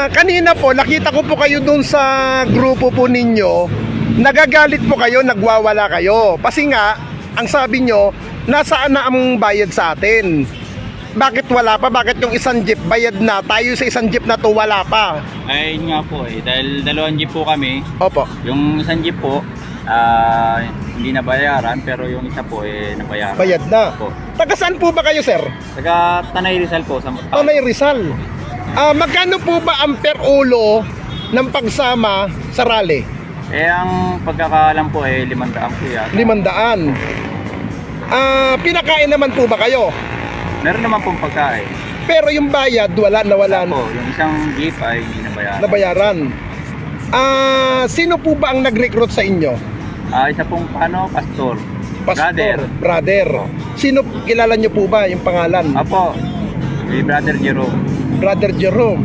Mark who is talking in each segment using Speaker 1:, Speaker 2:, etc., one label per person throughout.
Speaker 1: Kanina po, nakita ko po kayo dun sa grupo po ninyo. Nagagalit po kayo, nagwawala kayo. Kasi nga, ang sabi nyo, nasaan na ang bayad sa atin? Bakit wala pa? Bakit yung isang jeep bayad na? Tayo sa isang jeep na to wala pa.
Speaker 2: Ay, yun nga po eh. Dahil dalawang jeep po kami.
Speaker 1: Opo.
Speaker 2: Yung isang jeep po, hindi nabayaran. Pero yung isa po eh, nabayaran.
Speaker 1: Bayad na.
Speaker 2: Po.
Speaker 1: Taga saan po ba kayo, sir?
Speaker 2: Taga Tanay Rizal po.
Speaker 1: Tanay Rizal. Magkano po ba ang per ulo ng pagsama sa rally?
Speaker 2: Eh, ang pagkakaalam po eh, 500 po yan.
Speaker 1: 500. Pinakain naman po ba kayo?
Speaker 2: Meron naman pong pagkain.
Speaker 1: Pero yung bayad, nawala
Speaker 2: Po, yung isang jeep ay hindi nabayaran.
Speaker 1: nabayaran. Sino po ba ang nag-recruit sa inyo?
Speaker 2: Isa pong pastor.
Speaker 1: Brother. Sino, kilala nyo po ba yung pangalan?
Speaker 2: Apo, si Brother Jerome.
Speaker 1: Brother Jerome.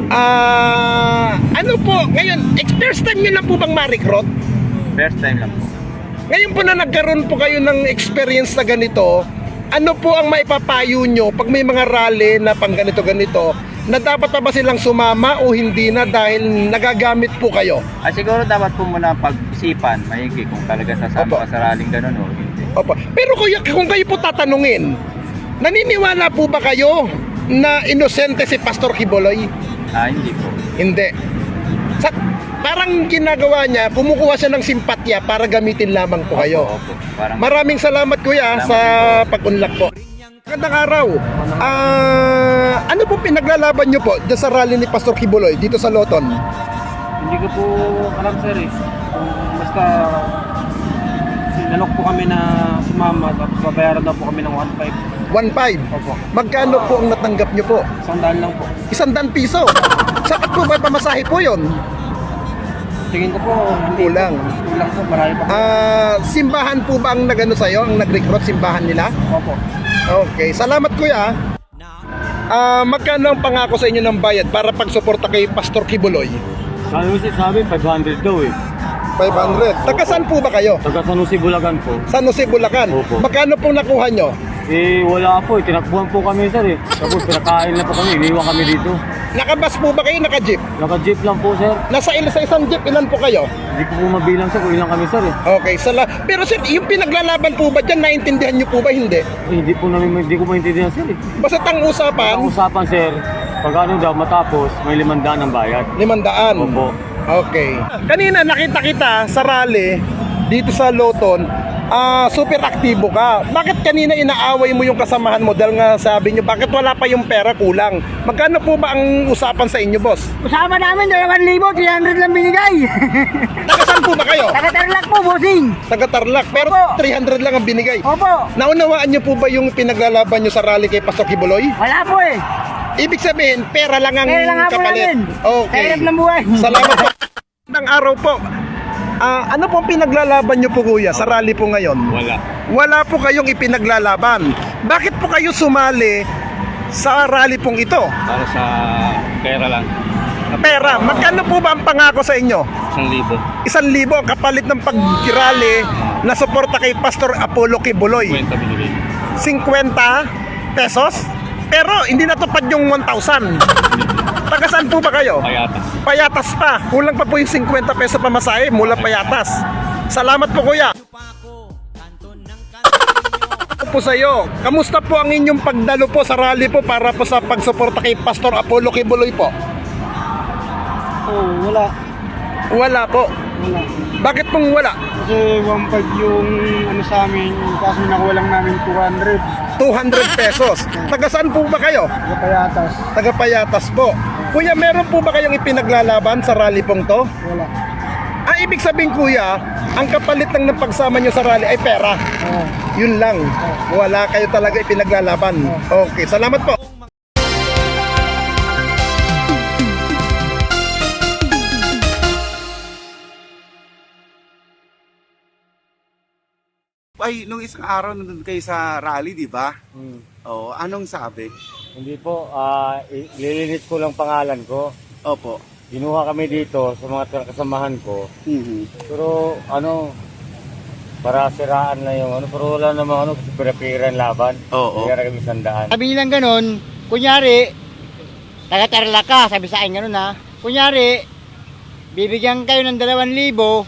Speaker 1: Ano po, ngayon, first time nyo na po bang ma-recruit?
Speaker 2: First time lang po.
Speaker 1: Ngayon po na nagkaroon po kayo ng experience na ganito, ano po ang maipapayo nyo pag may mga rally na pang ganito-ganito, na dapat pa ba silang sumama o hindi na dahil nagagamit po kayo?
Speaker 2: Siguro dapat po muna pag-isipan, maigi kung talaga sasama ka sa rallyng ganun o hindi.
Speaker 1: Opo. Pero kung kayo po tatanungin, naniniwala po ba kayo na inosente si Pastor Quiboloy?
Speaker 2: Hindi po.
Speaker 1: Hindi. Parang ginagawa niya, kumukuha siya ng simpatya para gamitin lamang po kayo.
Speaker 2: Opo. Parang
Speaker 1: Maraming salamat kuya
Speaker 2: Salamat
Speaker 1: sa pag-unlock po. Magandang araw. Ano po pinaglalaban niyo po dyan sa rally ni Pastor Quiboloy dito sa Loton?
Speaker 3: Hindi ko po alam sir eh. Basta sinalok po kami na sumama tapos babayaran daw po kami ng 1.5.
Speaker 1: 1.5.
Speaker 3: Opo.
Speaker 1: Magkano po ang natanggap niyo po?
Speaker 3: 100 lang po.
Speaker 1: 100 piso. Saan po ba pamasahe po yon?
Speaker 3: Tingin ko po hindi
Speaker 1: Kulang.
Speaker 3: Kulang po, marami pa.
Speaker 1: Simbahan po ba ang nagano sa'yo? Ang nag-recruit simbahan nila?
Speaker 3: Opo.
Speaker 1: Okay, salamat kuya. Magkano ang pangako sa inyo ng bayad para pagsuporta kay Pastor Quiboloy?
Speaker 3: Sabi 500 daw eh.
Speaker 1: 500. Taga saan po ba kayo?
Speaker 3: Taga San Jose, Bulacan po.
Speaker 1: San Jose, Bulacan.
Speaker 3: Opo.
Speaker 1: Magkano pong nakuha nyo?
Speaker 3: Wala po eh. Tinakbuhan po kami sir eh. Tapos pinakain na po kami. Iniwan kami dito.
Speaker 1: Nakabas po ba kayo? Naka-jeep?
Speaker 3: Naka-jeep lang po sir.
Speaker 1: Sa isang jeep, ilan po kayo?
Speaker 3: Hindi ko po mabilang sir kung ilang kami sir eh.
Speaker 1: Okay, pero sir, yung pinaglalaban po ba dyan, naintindihan nyo po ba? Hindi.
Speaker 3: Hindi ko maintindihan sir eh.
Speaker 1: Basta ang usapan,
Speaker 3: Ang usapan sir, pag ano daw matapos, may 500 ang bayad.
Speaker 1: 500.
Speaker 3: Opo.
Speaker 1: Okay. Kanina nakita kita sa rally dito sa Loton, super aktibo ka. Bakit kanina inaaway mo yung kasamahan mo dahil nga sabi nyo, bakit wala pa yung pera, kulang? Magkano po ba ang usapan sa inyo, boss?
Speaker 4: Usama namin 2,000, 300 lang binigay.
Speaker 1: Taga saan po ba kayo?
Speaker 4: Taga-Tarlac po, bossing.
Speaker 1: Taga Tarlac, pero
Speaker 4: Opo.
Speaker 1: 300 lang ang binigay.
Speaker 4: Opo.
Speaker 1: Naunawaan nyo po ba yung pinaglalaban nyo sa rally kay Pastor Quiboloy?
Speaker 4: Wala po eh.
Speaker 1: Ibig sabihin, pera lang ang
Speaker 4: Kaya lang nga po
Speaker 1: kapalit.
Speaker 4: namin.
Speaker 1: Okay.
Speaker 4: Kaya ng buhay.
Speaker 1: Salamat po. Magandang araw po. Ano pong pinaglalaban nyo po kuya sa rally po ngayon?
Speaker 2: Wala.
Speaker 1: Wala po kayong ipinaglalaban. Bakit po kayo sumali sa rally pong ito?
Speaker 2: Para sa pera lang.
Speaker 1: Pera, magkano po ba ang pangako sa inyo?
Speaker 2: 1,000.
Speaker 1: 1,000 ang kapalit ng pag-rally na suporta kay Pastor Apollo Quiboloy.
Speaker 2: Kwenta binigay.
Speaker 1: 50 pesos? Pero hindi natupad yung 1,000. Taga saan po ba kayo?
Speaker 2: Payatas.
Speaker 1: Payatas pa. Kulang pa po yung 50 peso pamasahe mula Payatas. Salamat po kuya. Po sa iyo. Kamusta po ang inyong pagdalo po sa rally po para po sa pagsuporta kay Pastor Apollo Quiboloy po?
Speaker 3: Wala.
Speaker 1: Wala po.
Speaker 3: Wala.
Speaker 1: Bakit pong wala?
Speaker 3: Kasi 1.5 yung ano sa amin, kaso nakuha lang namin 200.
Speaker 1: 200 pesos. Taga saan po ba kayo?
Speaker 3: Sa Payatas.
Speaker 1: Taga Payatas po. Kuya, meron po ba kayong ipinaglalaban sa rally pong to?
Speaker 3: Wala.
Speaker 1: Ibig sabihin kuya, ang kapalit lang ng pagsama nyo sa rally ay pera. Yun lang. Wala kayo talaga ipinaglalaban. Okay, salamat po.
Speaker 5: Ay, nung isang araw nandun kayo sa rally, di ba? Oo, anong sabi?
Speaker 3: Hindi po, lilinis ko lang pangalan ko.
Speaker 5: Opo.
Speaker 3: Ginuha kami dito sa mga kasamahan ko. Pero para siraan na yung pero wala namang kasi pinapiran laban.
Speaker 5: Oo.
Speaker 3: Kaya kami sandaan.
Speaker 4: Sabi nilang ganun, kunyari, taga-tarla ka, sabi sa akin ganun ha. Kunyari, bibigyan kayo ng 2,000,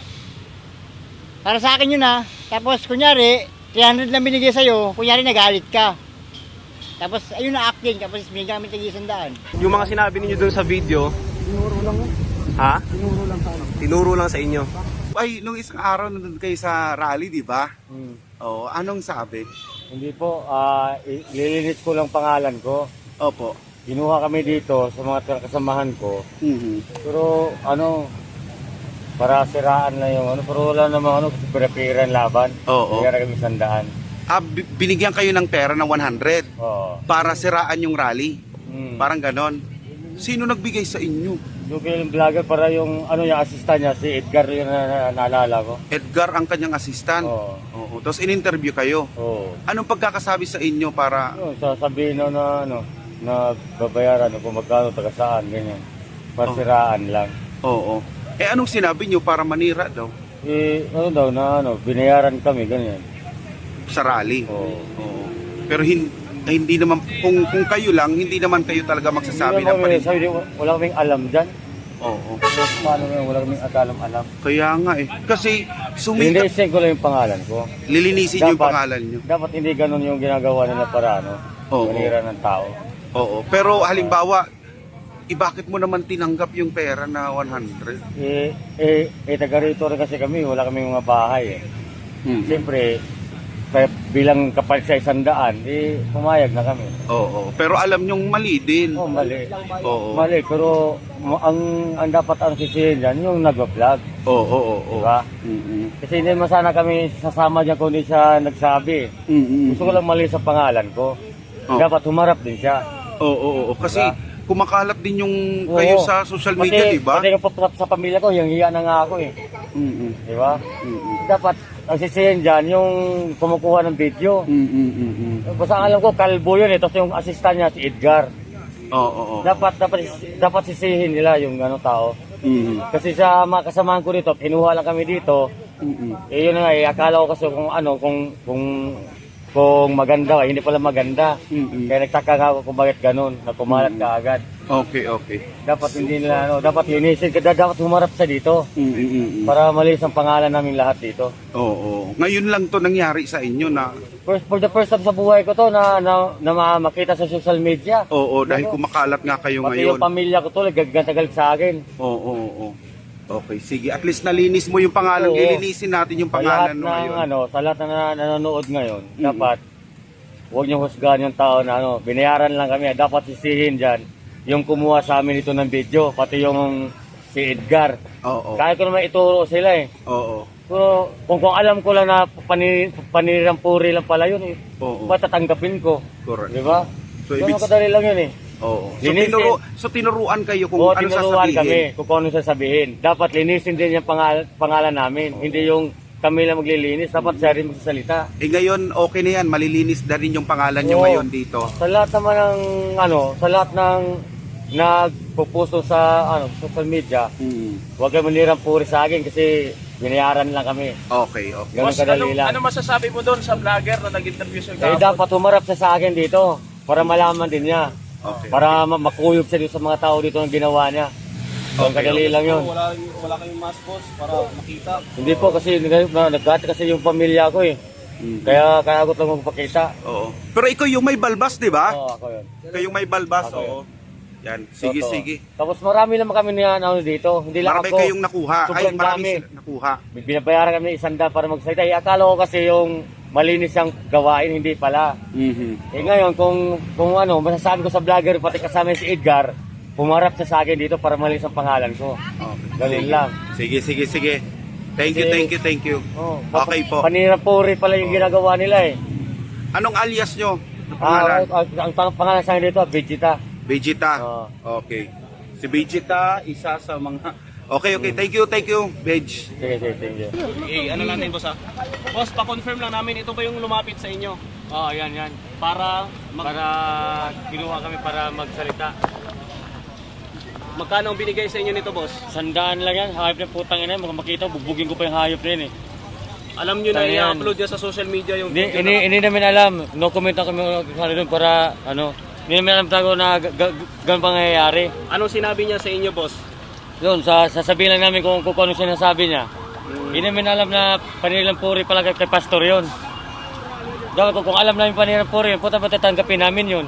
Speaker 4: para sa akin yun ha. Tapos kunyari, 300 lang binigay sa'yo, kunyari nagalit ka. Tapos ayun na acting, tapos binigyan kami tig-100.
Speaker 6: Yung mga sinabi ninyo dun sa video,
Speaker 4: Tinuro lang mo.
Speaker 6: ha?
Speaker 4: Tinuro lang sa ano.
Speaker 6: Tinuro lang sa inyo.
Speaker 5: Ay, nung isang araw nandun kayo sa rally, di ba? Oo, anong sabi?
Speaker 3: Hindi po, lilinis ko lang pangalan ko.
Speaker 5: Opo.
Speaker 3: Ginuha kami dito sa mga kasamahan ko.
Speaker 5: Mhm.
Speaker 3: Pero ano, para siraan na yung ano, pero wala namang ano, kasi pira-pira ang laban.
Speaker 5: Oo.
Speaker 3: Kaya kami 100.
Speaker 5: Binigyan kayo ng pera ng 100
Speaker 3: Oo.
Speaker 5: para siraan yung rally.
Speaker 3: Parang
Speaker 5: Parang ganon. Sino nagbigay sa inyo?
Speaker 3: yung vlogger para yung ano yung assistant niya, si Edgar yung naalala ko.
Speaker 5: Edgar ang kanyang assistant.
Speaker 3: Oo.
Speaker 5: Oo. Tapos in-interview kayo.
Speaker 3: Oo.
Speaker 5: Anong pagkakasabi sa inyo para...
Speaker 3: Yun, sasabihin na ano, na babayaran kung magkano taga saan, ganyan. Pasiraan lang.
Speaker 5: Oo. Eh anong sinabi nyo para manira daw
Speaker 3: Ano daw na ano, binayaran kami, ganyan.
Speaker 5: sa rally?
Speaker 3: Oo.
Speaker 5: Oo. Pero hindi naman, kung kayo lang, hindi naman kayo talaga magsasabi ng panin.
Speaker 3: Sabi, wala kaming alam dyan.
Speaker 5: Oo.
Speaker 3: So, paano yun? Wala kaming alam.
Speaker 5: Kaya nga eh. Kasi
Speaker 3: Hindi,
Speaker 5: sumita,
Speaker 3: send ko lang yung pangalan ko.
Speaker 5: lilinisin yung pangalan nyo.
Speaker 3: Dapat hindi ganun yung ginagawa nila para ano,
Speaker 5: Oo.
Speaker 3: manira ng tao.
Speaker 5: Oo. Pero halimbawa, bakit mo naman tinanggap yung pera na 100?
Speaker 3: Taga rito rin kasi kami, wala kaming mga bahay eh.
Speaker 5: Hmm.
Speaker 3: Siyempre, kaya bilang kapalit sa 100, pumayag na kami.
Speaker 5: Oo. Pero alam nyong mali din.
Speaker 3: Oh, mali.
Speaker 5: Oo.
Speaker 3: Mali, pero ang dapat ang sisihin dyan, yung nag-vlog.
Speaker 5: Oo. Oo.
Speaker 3: Diba? Kasi hindi naman sana kami sasama dyan kung hindi siya nagsabi. Gusto ko lang mali sa pangalan ko.
Speaker 5: Oh.
Speaker 3: Dapat humarap din siya.
Speaker 5: Oo. Kasi kumakalat din yung
Speaker 3: Oo.
Speaker 5: kayo sa social media, di ba?
Speaker 3: Pati yung sa pamilya ko, yung hiya na nga ako eh. Di ba? Dapat ang sisihin dyan, yung kumukuha ng video. Basta ang alam ko, kalbo yun eh. Tapos yung assistant niya, si Edgar.
Speaker 5: Oo.
Speaker 3: Dapat sisihin nila yung ano tao. Kasi sa mga kasamahan ko dito, kinuha lang kami dito. Eh yun na nga, akala ko kasi kung ano, kung maganda, hindi pala maganda. Kaya nagtaka nga ako kung bakit ganun, na kumalat ka agad.
Speaker 5: Okay.
Speaker 3: Dapat hindi nila, dapat linisin, dapat humarap sa dito. Para malis ang pangalan namin lahat dito.
Speaker 5: Oo. Ngayon lang to nangyari sa inyo na...
Speaker 3: For the first time sa buhay ko to na makita sa social media.
Speaker 5: Oo, dahil kumakalat nga kayo
Speaker 3: Pati
Speaker 5: ngayon.
Speaker 3: yung pamilya ko to, nagagalit sa akin.
Speaker 5: Oo. Okay, sige. At least nalinis mo yung pangalan.
Speaker 3: Oo.
Speaker 5: Ilinisin natin yung pangalan mo ngayon.
Speaker 3: Sa lahat na nanonood ngayon, dapat huwag niyo husgahan yung tao na binayaran lang kami. Dapat sisihin dyan yung kumuha sa amin ito ng video, pati yung si Edgar.
Speaker 5: Oo.
Speaker 3: Kaya ko naman ituro sila eh.
Speaker 5: Oo.
Speaker 3: Pero kung alam ko lang na panirampuri lang pala yun eh,
Speaker 5: Oo.
Speaker 3: ba't tatanggapin ko?
Speaker 5: Correct.
Speaker 3: Di ba?
Speaker 5: So,
Speaker 3: So, kadali lang yun eh.
Speaker 5: Oo.
Speaker 3: Linisin.
Speaker 5: So tinuruan kayo kung
Speaker 3: Oo,
Speaker 5: ano
Speaker 3: tinuruan
Speaker 5: sasabihin.
Speaker 3: kami kung ano sasabihin. Dapat linisin din yung pangalan namin. Hindi yung kami lang maglilinis. Dapat siya rin magsasalita.
Speaker 5: Eh ngayon, okay na yan. Malilinis na rin yung pangalan nyo
Speaker 3: Oo.
Speaker 5: ngayon dito.
Speaker 3: Sa lahat naman ng sa lahat ng nagpupusto sa social media, huwag kayo manirang puri sa akin kasi binayaran lang kami.
Speaker 5: Okay.
Speaker 3: Ganun kadali lang.
Speaker 6: Ano masasabi mo doon sa vlogger na nag-interview sa
Speaker 3: Dapat humarap siya sa akin dito para malaman din niya.
Speaker 5: Okay.
Speaker 3: Para makuyog siya dito sa mga tao dito ang ginawa niya. Ang kadali lang yun.
Speaker 6: Wala kayong mask boss para makita.
Speaker 3: Hindi po kasi nagkati kasi yung pamilya ko eh. Kaya ako lang magpakita.
Speaker 5: Oo. Pero ikaw yung may balbas, di ba?
Speaker 3: Oo, ako yun.
Speaker 5: Kayong may balbas,
Speaker 3: Ako
Speaker 5: oo. Yan. Sige,
Speaker 3: Totoo.
Speaker 5: sige.
Speaker 3: Tapos marami naman kami dito. Hindi lang
Speaker 5: Marami
Speaker 3: ako.
Speaker 5: kayong nakuha.
Speaker 3: Sobrang
Speaker 5: Marami
Speaker 3: dami.
Speaker 5: sila nakuha.
Speaker 3: Binabayaran kami ng 100 para magsalita. Akala ko kasi yung malinis ang gawain, hindi pala. Eh ngayon, kung masasabi ko sa vlogger, pati kasama si Edgar, pumarap siya sa akin dito para malinis ang pangalan ko.
Speaker 5: Okay.
Speaker 3: Ganun lang.
Speaker 5: Sige. Thank you.
Speaker 3: Oh,
Speaker 5: Okay po.
Speaker 3: Panirapuri pala yung ginagawa nila eh.
Speaker 5: Anong alias nyo? Ano pangalan?
Speaker 3: Ang pangalan sa akin dito, Vegeta.
Speaker 5: Vegeta.
Speaker 3: Oo.
Speaker 5: Okay. Si Vegeta, isa sa mga... Okay. Thank you, Veg.
Speaker 3: Sige, thank you.
Speaker 6: Ano natin boss Boss, pa-confirm lang namin ito ba yung lumapit sa inyo?
Speaker 3: Oo, yan. Para kinuha kami para magsalita.
Speaker 6: Magkano ang binigay sa inyo nito boss?
Speaker 3: 100 lang yan, hayop na putang ina, makita, bubugin ko pa yung hayop na yun eh.
Speaker 6: Alam nyo na
Speaker 3: Ayan.
Speaker 6: i-upload niya sa social media yung
Speaker 3: Hindi namin alam, no comment na kami doon para Hindi namin alam tayo na ganun pangyayari.
Speaker 6: Anong sinabi niya sa inyo, boss?
Speaker 3: Yun, sasabihin lang namin kung ano sinasabi niya. Hindi namin alam na panilang puri pala kay pastor yun. Dapat kung alam namin panilang puri yun, puta ba tatanggapin namin yun?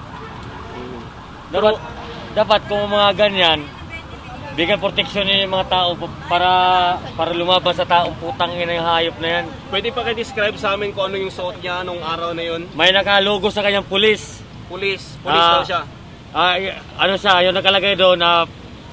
Speaker 3: Dapat kung mga ganyan, bigyan proteksyon yung mga tao para lumabas sa taong putang ina yung hayop na yan.
Speaker 6: Pwede pa kayo describe sa amin kung ano yung suot niya nung araw na yun?
Speaker 3: May nakalogo sa kanyang pulis.
Speaker 6: Pulis daw siya.
Speaker 3: Ano siya, yung nakalagay doon na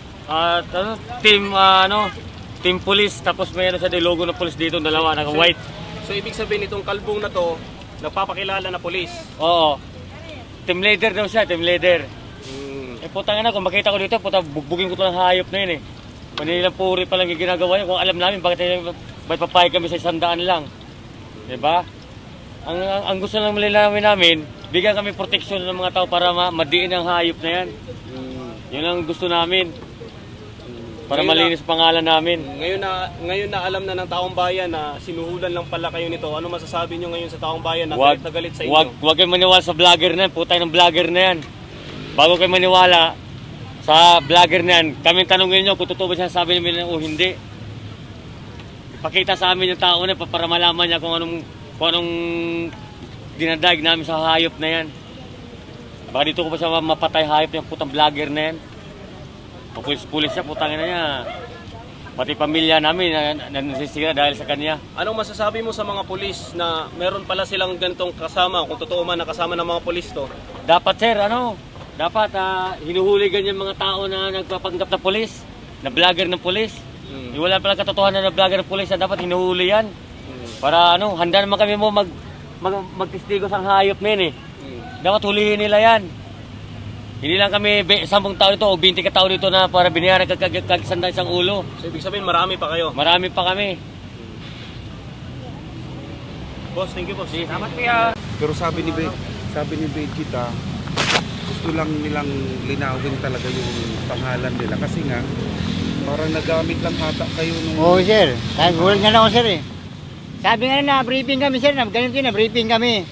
Speaker 3: team police, tapos may ano siya, logo ng police dito, dalawa, naka-white.
Speaker 6: So ibig sabihin itong kalbong na to, nagpapakilala na pulis.
Speaker 3: Oo. Team leader daw siya, team leader. Eh putang ina, kung makita ko dito, bugbugin ko to ng hayop na yun eh. Manilang puri pa lang yung ginagawa niya. Kung alam namin, bakit papayag kami sa 100 lang. Diba? Ang gusto lang malilawin namin, bigyan kami proteksyon ng mga tao para madiin ang hayop na yan. Yun ang gusto namin. Para malinis pangalan namin.
Speaker 6: Ngayon na alam na ng taong bayan na sinuhulan lang pala kayo nito. Ano masasabi nyo ngayon sa taong bayan na galit na galit sa inyo?
Speaker 3: Huwag kayong maniwala sa vlogger na yan. Putay ng vlogger na yan. Bago kayo maniwala sa vlogger na yan, kami tanongin nyo kung totoo ba siya sabi namin o hindi. Ipakita sa amin yung tao na para malaman niya kung anong dinadaig namin sa hayop na yan. Baka dito ko pa siya mapatay hayop yung putang vlogger na yan. Pulis-pulis siya, putang ina niya. Pati pamilya namin nasisira dahil sa kanya.
Speaker 6: Anong masasabi mo sa mga pulis na meron pala silang ganitong kasama, kung totoo man nakasama ng mga pulis to?
Speaker 3: Dapat sir, dapat hinuhuli ganyan mga tao na nagpapanggap na pulis, na vlogger ng pulis. Wala pala katotohanan na vlogger ng pulis, na dapat hinuhuli yan. Para handa naman kami mo magtistigo sa hayop na yun eh. Dapat hulihin nila yan. Hindi lang kami 10 tao dito o 20 ka tao dito na para binayaran kagisanda isang ulo.
Speaker 6: So ibig sabihin marami pa kayo?
Speaker 3: Marami pa kami.
Speaker 6: Boss, thank you boss.
Speaker 3: Salamat kuya.
Speaker 5: Pero sabi ni Vegeta, gusto lang nilang linawin talaga yung pangalan nila kasi nga parang nagamit lang ata kayo nung...
Speaker 4: Oo sir, kaya gulat nga lang ako sir eh. Sabi nga na briefing kami sir, ganito yun na briefing kami.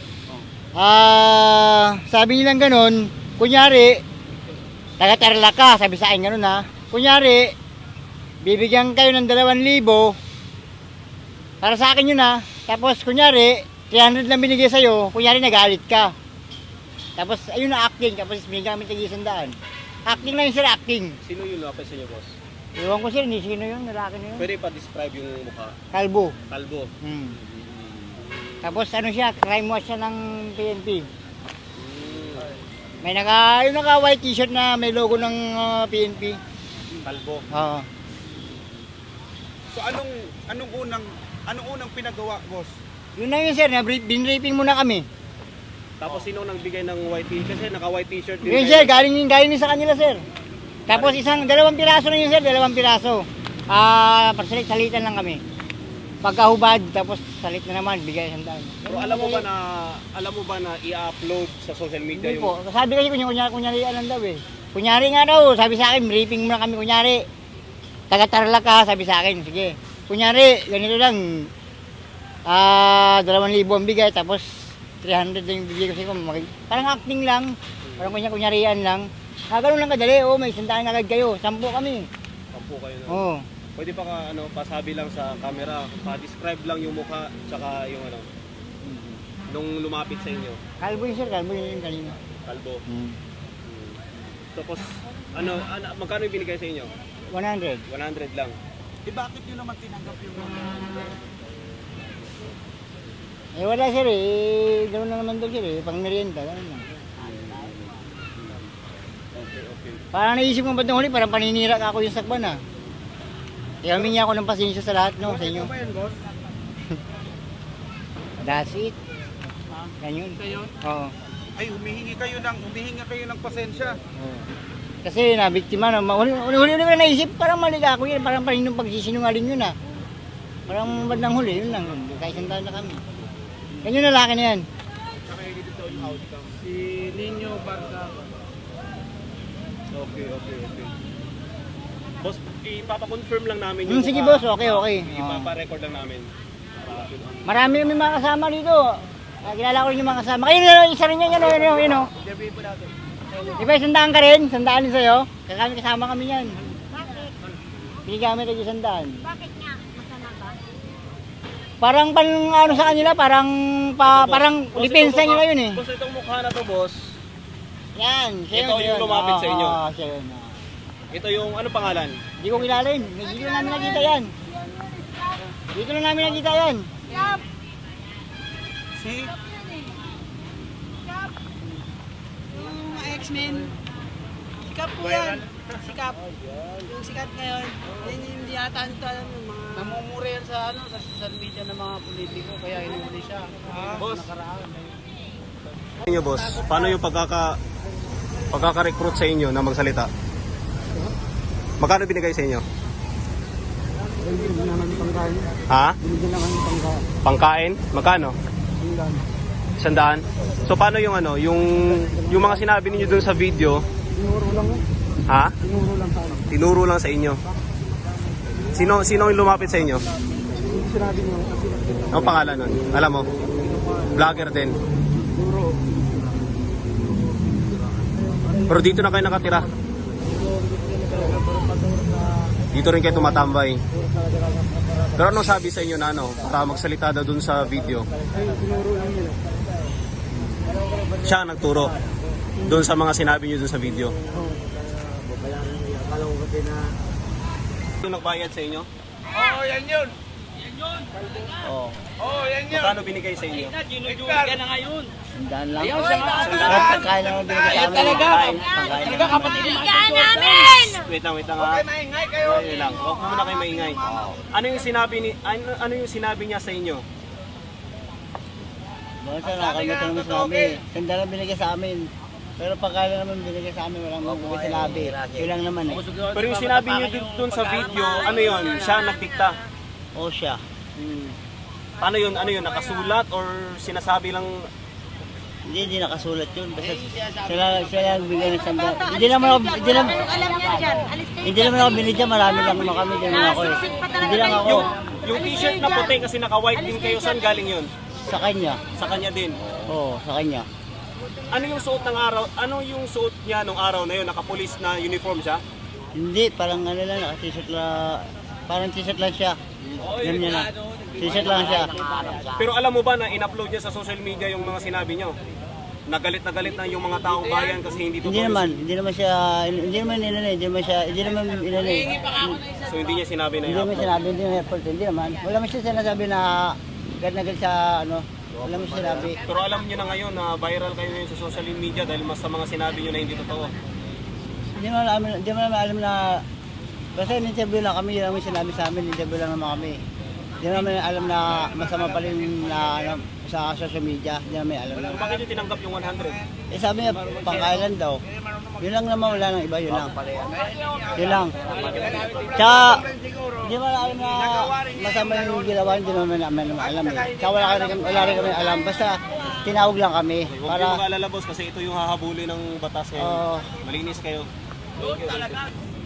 Speaker 4: Sabi nilang ganun, kunyari, taga-Tarlac ka, sabi sa akin ganun ha. Kunyari, bibigyan kayo ng 2,000 para sa akin yun ha. Tapos kunyari, 300 lang binigay sa'yo, kunyari nagalit ka. Tapos ayun na acting, tapos binigyan kami tig-100. Acting lang yun sir, acting.
Speaker 6: Sino yung lapis sa inyo boss?
Speaker 4: Iwan ko sir, hindi sino yun, lalaki na yun.
Speaker 6: Pwede pa describe yung mukha?
Speaker 4: Kalbo.
Speaker 6: Kalbo.
Speaker 4: Tapos ano siya, crime watch siya ng PNP. May yung naka-white t-shirt na may logo ng PNP.
Speaker 6: Kalbo.
Speaker 4: Oo.
Speaker 5: So anong unang pinagawa, boss?
Speaker 4: Yun na yun sir, binripping muna kami.
Speaker 6: Tapos sino nagbigay ng white t-shirt? Kasi naka-white t-shirt din.
Speaker 4: Yun sir, galing din sa kanila sir. Tapos 2 piraso na yun sir, 2 piraso. Salitan lang kami. Pagkahubad, tapos salit na naman, bigay 100.
Speaker 6: Pero alam mo ba na i-upload sa social media
Speaker 4: Hindi
Speaker 6: yung...
Speaker 4: po. Sabi kasi kunyari lang daw eh. Kunyari nga daw, sabi sa akin, briefing muna kami kunyari. Taga-Tarlac ka, sabi sa akin, sige. Kunyari, ganito lang. 2,000 ang bigay, tapos 300 lang yung bigay ko sa'yo. Parang acting lang. Parang kunyarian lang. Ganun lang kadali, may 100 na agad kayo. 10 kami.
Speaker 6: 10 kayo na.
Speaker 4: Oo.
Speaker 6: Pwede pa pasabi lang sa camera, pa-describe lang yung mukha, tsaka yung nung lumapit sa inyo.
Speaker 4: Kalbo yun sir, kalbo yun kanina.
Speaker 6: Kalbo. Tapos, magkano yung binigay sa inyo?
Speaker 4: 100.
Speaker 6: 100 lang.
Speaker 5: Bakit nyo naman tinanggap yung
Speaker 4: Wala sir eh, gano'n na naman daw sir eh, pang merienda, gano'n lang.
Speaker 6: Okay.
Speaker 4: Parang naisip mo ba't nung huli, parang paninira ka ako yung sakban ah. Kaya humingi ako ng pasensya sa lahat no, sa inyo. That's it. Ganyan. Oo.
Speaker 5: Ay, humihingi kayo ng pasensya.
Speaker 4: Oo. Kasi nabiktima na, huli ko na naisip, parang mali ako yun, parang paninong pagsisinungaling yun ah. Parang bandang huli, yun lang, kahit 100 na kami. Ganyan na laki na yan.
Speaker 6: Si Nino Barca. Okay. Boss, ipapa-confirm lang namin yung
Speaker 4: Sige boss, okay.
Speaker 6: Ipapa-record lang namin.
Speaker 4: Marami kami mga kasama dito. Kilala ko rin yung mga kasama. Ayun, isa rin yan, yun o. Di ba, sandaan ka rin? Sandaan din sa'yo? Kasama kami yan. Binigyan kami tayo sandaan.
Speaker 7: Bakit nga? Masama ba?
Speaker 4: Parang ano sa kanila, parang lipensa nila yun eh.
Speaker 6: Boss, itong mukha na to, boss.
Speaker 4: Yan, siya
Speaker 6: Ito yung lumapit sa inyo?
Speaker 4: Oo, siya yun.
Speaker 6: Ito yung ano pangalan?
Speaker 4: Hindi ko kilala yun. Dito lang namin nakita yan. Dito lang namin nakita yan.
Speaker 6: Si?
Speaker 8: Yung mga X-Men, sikat po yan. Sikat. Yung sikat ngayon, hindi yata nito alam yung mga... Namumura yan sa social media ng mga politiko, kaya inuuli siya.
Speaker 6: Boss. Inyo, boss, paano yung pagkaka-recruit sa inyo na magsalita? Magkano binigay sa inyo? Ha? Pangkain? Magkano? 100. So paano yung ano, yung mga sinabi niyo dun sa video? Tinuro lang. Ha? Tinuro lang sa inyo. Sino yung lumapit sa inyo? Sinabi niyo. Ano pangalan nun? Alam mo? Vlogger din. Pero dito na kayo nakatira. Dito rin kayo tumatambay. Pero anong sabi sa inyo na ano, para magsalita daw dun sa video? Siya ang nagturo dun sa mga sinabi niyo dun sa video. Yung nagbayad sa inyo?
Speaker 5: Oo, yan yun.
Speaker 6: Oo.
Speaker 5: Oo, yan yun.
Speaker 6: Magkano binigay sa inyo?
Speaker 4: Sandaan lang. Pagkain lang ang binigay sa amin. Pagkain lang kapatid.
Speaker 6: Wait lang ha.
Speaker 5: Maingay kayo.
Speaker 6: Wait lang. Huwag muna kayo maingay. Ano yung sinabi niya sa inyo?
Speaker 4: Bakit sa nakalimutan naman sinabi? Sandaan lang binigay sa amin. Pero pagkain lang naman binigay sa amin, walang mga sinabi. Yun lang naman eh.
Speaker 6: Pero yung sinabi niyo dun sa video, ano yun? Siya nagdikta.
Speaker 4: O siya.
Speaker 6: Paano yun? Ano yun? Nakasulat or sinasabi lang?
Speaker 4: Hindi nakasulat yun. Basta sila lang bigyan ng sandaan. Hindi naman ako binigyan. Marami lang naman kami. Hindi naman ako eh. Hindi lang ako.
Speaker 6: Yung t-shirt na puti kasi naka-white din kayo, saan galing yun?
Speaker 4: Sa kanya.
Speaker 6: Sa kanya din.
Speaker 4: Oo, sa kanya.
Speaker 6: Ano yung suot ng araw? Ano yung suot niya nung araw na yun? Naka-police na uniform siya?
Speaker 4: Hindi, parang ano lang, naka-t-shirt lang. Parang t-shirt lang siya. Ganyan na. T-shirt lang siya.
Speaker 6: Pero alam mo ba na in-upload niya sa social media yung mga sinabi niyo? Nagalit na yung mga taong bayan kasi hindi totoo.
Speaker 4: Hindi naman siya, hindi naman inanay.
Speaker 6: So hindi niya sinabi na
Speaker 4: Hindi
Speaker 6: yun.
Speaker 4: naman sinabi, hindi naman effort, hindi naman. Wala man siya sinasabi na agad sa ano, wala man siya sinabi.
Speaker 6: Pero alam niyo na ngayon na viral kayo ngayon sa social media dahil mas sa mga sinabi niyo na hindi totoo.
Speaker 4: Hindi naman alam na, basta in-interview lang kami, yun naman sinabi sa amin, in-interview lang naman kami. Hindi naman alam na masama pa rin na ano, sa social media, hindi naman alam na.
Speaker 6: Bakit niyo tinanggap yung 100?
Speaker 4: Eh sabi niya, pangkailan daw. Yun lang naman, wala nang iba, yun lang. Yun lang. Tsaka, hindi naman alam na masama yung ginawa, hindi naman namin alam eh. Tsaka wala rin kami alam, basta tinawag lang kami.
Speaker 6: Huwag kayo mag-alala boss kasi ito yung hahabulin ng batas ngayon. Malinis kayo. Thank you.